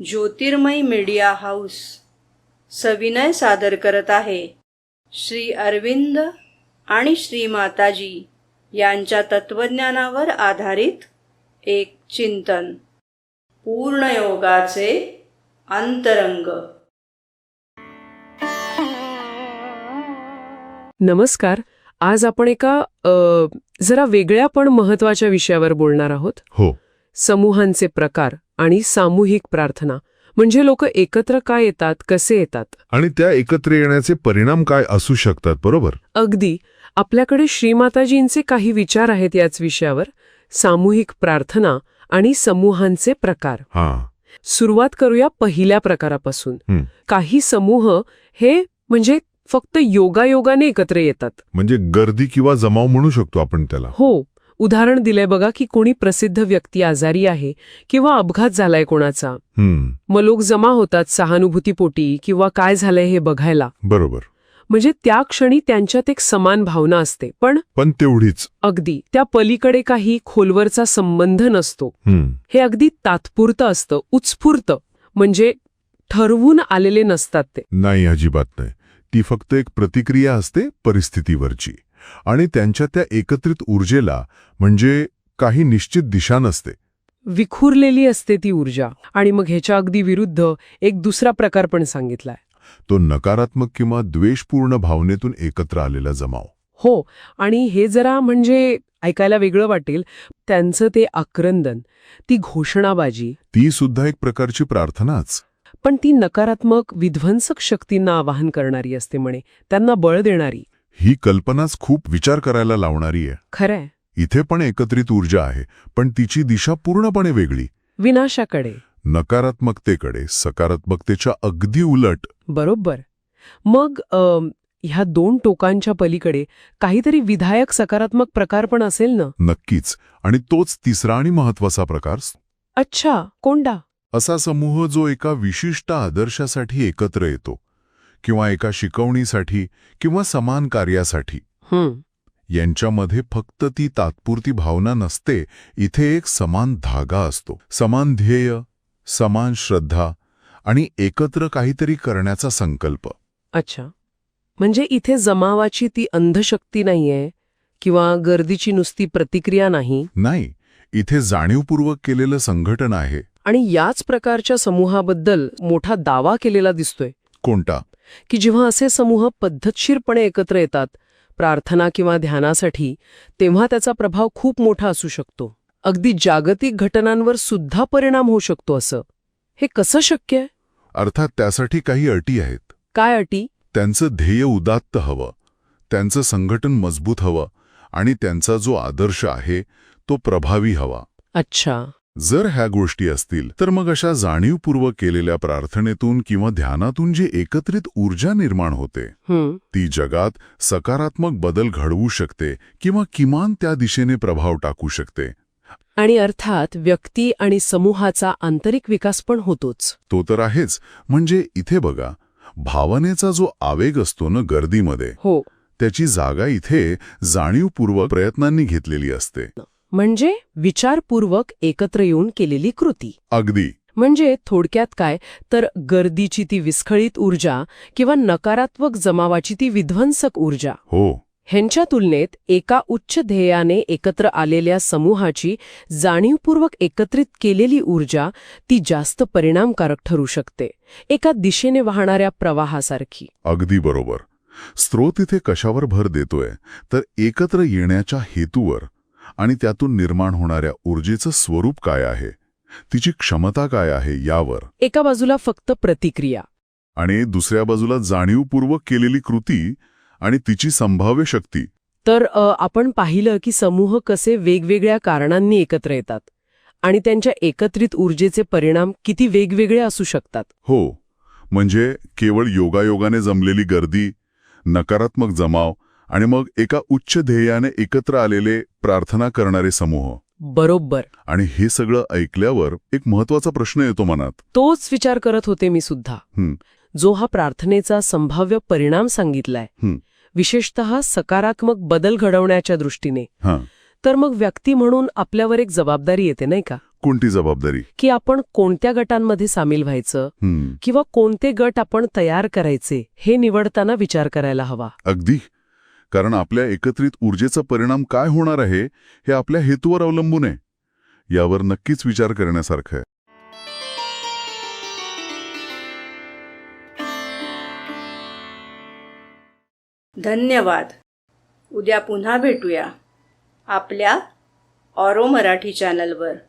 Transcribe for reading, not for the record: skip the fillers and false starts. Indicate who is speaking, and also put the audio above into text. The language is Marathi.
Speaker 1: ज्योतिर्मय मीडिया हाऊस सविनय सादर करत आहे श्री अरविंद आणि श्री माताजी यांच्या तत्वज्ञानावर आधारित एक चिंतन, पूर्णयोगाचे अंतरंग.
Speaker 2: नमस्कार. आज आपण एका जरा वेगळ्या पण महत्वाच्या विषयावर बोलणार आहोत.
Speaker 3: हो.
Speaker 2: समूहांचे प्रकार आणि सामूहिक प्रार्थना. म्हणजे लोक एकत्र काय येतात, कसे येतात,
Speaker 3: आणि त्या एकत्र येण्याचे परिणाम काय असू शकतात. बरोबर.
Speaker 2: अगदी. आपल्याकडे श्रीमाताजींचे काही विचार आहेत याच विषयावर. सामूहिक प्रार्थना आणि समूहांचे प्रकार. सुरुवात करूया पहिल्या प्रकारापासून. काही समूह हे म्हणजे फक्त योगायोगाने एकत्र येतात.
Speaker 3: म्हणजे गर्दी किंवा जमाव म्हणू शकतो आपण त्याला.
Speaker 2: हो. उदाहरण दिलंय बघा की कोणी प्रसिद्ध व्यक्ती आजारी आहे किंवा अपघात झालाय कोणाचा. मग लोक जमा होतात सहानुभूतीपोटी किंवा काय झालंय हे बघायला.
Speaker 3: बरोबर.
Speaker 2: म्हणजे त्या क्षणी त्यांच्यात एक समान भावना असते. पण
Speaker 3: तेवढीच.
Speaker 2: अगदी त्या पलीकडे काही खोलवरचा संबंध नसतो. हे अगदी तात्पुरतं असतं, उत्स्फूर्त. म्हणजे ठरवून आलेले नसतात ते.
Speaker 3: नाही, अजिबात नाही. ती फक्त एक प्रतिक्रिया असते परिस्थितीवरची. आणि त्यांच्या त्या एकत्रित ऊर्जेला म्हणजे काही निश्चित दिशा नसते.
Speaker 2: विखुरलेली असते ती ऊर्जा. आणि मग ह्याच्या अगदी विरुद्ध एक दुसरा प्रकार पण सांगितलाय.
Speaker 3: तो नकारात्मक किंवा द्वेषपूर्ण भावनेतून एकत्र आलेला जमाव.
Speaker 2: हो. आणि हे जरा म्हणजे ऐकायला वेगळं वाटेल. त्यांचं ते आक्रंदन, ती घोषणाबाजी,
Speaker 3: ती सुद्धा एक प्रकारची प्रार्थनाच.
Speaker 2: पण ती नकारात्मक विध्वंसक शक्तींना आवाहन करणारी असते म्हणे, त्यांना बळ देणारी.
Speaker 3: ही कल्पनाच खूप विचार करायला लावणारी आहे.
Speaker 2: खरंय.
Speaker 3: इथे पण एकत्रित ऊर्जा आहे, पण तिची दिशा पूर्णपणे वेगळी.
Speaker 2: विनाशाकडे,
Speaker 3: नकारात्मकतेकडे, सकारात्मकतेच्या अगदी उलट.
Speaker 2: बरोबर. मग ह्या दोन टोकांच्या पलीकडे काहीतरी विधायक सकारात्मक प्रकार पण असेल ना?
Speaker 3: नक्कीच. आणि तोच तिसरा आणि महत्वाचा प्रकार.
Speaker 2: अच्छा, कोणता?
Speaker 3: असा समूह जो एका विशिष्ट आदर्शासाठी एकत्र येतो, किंवा एका शिकवणीसाठी किंवा समान कार्यासाठी. यांच्यामध्ये फक्त ती तात्पुरती भावना नसते. इथे एक समान धागा असतो, समान ध्येय, समान श्रद्धा आणि एकत्र काहीतरी करण्याचा संकल्प.
Speaker 2: अच्छा. म्हणजे इथे जमावाची ती अंधशक्ती नाहीये किंवा गर्दीची नुसती प्रतिक्रिया नाही.
Speaker 3: नाही, इथे जाणीवपूर्वक केलेलं संघटन आहे.
Speaker 2: आणि याच प्रकारच्या समूहाबद्दल मोठा दावा केलेला दिसतोय.
Speaker 3: कोणता?
Speaker 2: की जेव्हा असे समूह पद्धतशीरपणे एकत्र येतात प्रार्थना किंवा ध्यानासाठी, तेव्हा त्याचा प्रभाव खूप मोठा असू शकतो. अगदी जागतिक घटनांवर सुद्धा परिणाम होऊ शकतो. असं हे कसं शक्य आहे?
Speaker 3: अर्थात त्यासाठी काही अटी आहेत.
Speaker 2: काय अटी?
Speaker 3: त्यांचं ध्येय उदात्त हवं, त्यांचं संघटन मजबूत हवं, आणि त्यांचा जो आदर्श आहे तो प्रभावी हवा.
Speaker 2: अच्छा.
Speaker 3: जर ह्या गोष्टी असतील तर मग अशा जाणीवपूर्वक केलेल्या प्रार्थनेतून किंवा ध्यानातून जी एकत्रित ऊर्जा निर्माण होते ती जगात सकारात्मक बदल घडवू शकते किंवा किमान त्या दिशेने प्रभाव टाकू शकते.
Speaker 2: आणि अर्थात व्यक्ती आणि समूहाचा आंतरिक विकास पण होतोच.
Speaker 3: तो तर आहेच. म्हणजे इथे बघा, भावनेचा जो आवेग असतो ना गर्दीमध्ये,
Speaker 2: हो,
Speaker 3: त्याची जागा इथे जाणीवपूर्वक प्रयत्नांनी घेतलेली असते.
Speaker 2: म्हणजे विचारपूर्वक एकत्र येऊन केलेली कृती.
Speaker 3: अगदी.
Speaker 2: म्हणजे थोडक्यात काय तर गर्दीची ती विस्खळीत ऊर्जा किंवा नकारात्मक जमावाची ती विध्वंसक ऊर्जा.
Speaker 3: हो.
Speaker 2: ह्यांच्या तुलनेत एका उच्च ध्येयाने एकत्र आलेल्या समूहाची जाणीवपूर्वक एकत्रित केलेली ऊर्जा ती जास्त परिणामकारक ठरू शकते, एका दिशेने वाहणाऱ्या प्रवाहासारखी.
Speaker 3: अगदी बरोबर. स्रोत इथे कशावर भर देतोय तर एकत्र येण्याच्या हेतूवर आणि त्यातून निर्माण होणाऱ्या ऊर्जेचं स्वरूप काय आहे, तिची क्षमता काय आहे यावर.
Speaker 2: एका बाजूला फक्त प्रतिक्रिया
Speaker 3: आणि दुसऱ्या बाजूला जाणीवपूर्वक केलेली कृती आणि तिची संभाव्य शक्ती.
Speaker 2: तर आपण पाहिलं की समूह कसे वेगवेगळ्या कारणांनी एकत्र येतात आणि त्यांच्या एकत्रित ऊर्जेचे परिणाम किती वेगवेगळे असू शकतात.
Speaker 3: हो. म्हणजे केवळ योगायोगाने जमलेली गर्दी, नकारात्मक जमाव आणि मग एका उच्च ध्येयाने एकत्र आलेले प्रार्थना करणारे समूह.
Speaker 2: बरोबर.
Speaker 3: आणि हे सगळं ऐकल्यावर एक महत्वाचा प्रश्न येतो मनात.
Speaker 2: तोच विचार करत होते मी सुद्धा. जो हा प्रार्थनेचा संभाव्य परिणाम सांगितलाय, विशेषतः सकारात्मक बदल घडवण्याच्या दृष्टीने, तर मग व्यक्ती म्हणून आपल्यावर एक जबाबदारी येते, नाही का?
Speaker 3: कोणती जबाबदारी?
Speaker 2: की आपण कोणत्या गटांमध्ये सामील व्हायचं किंवा कोणते गट आपण तयार करायचे हे निवडताना विचार करायला हवा.
Speaker 3: अगदी. कारण आपल्या एकत्रित ऊर्जेचा परिणाम काय होणार आहे हे आपल्या हेतूवर अवलंबून आहे. यावर नक्कीच विचार करण्यासारखं आहे.
Speaker 1: धन्यवाद. उद्या पुन्हा भेटूया आपल्या ऑरो मराठी चॅनलवर.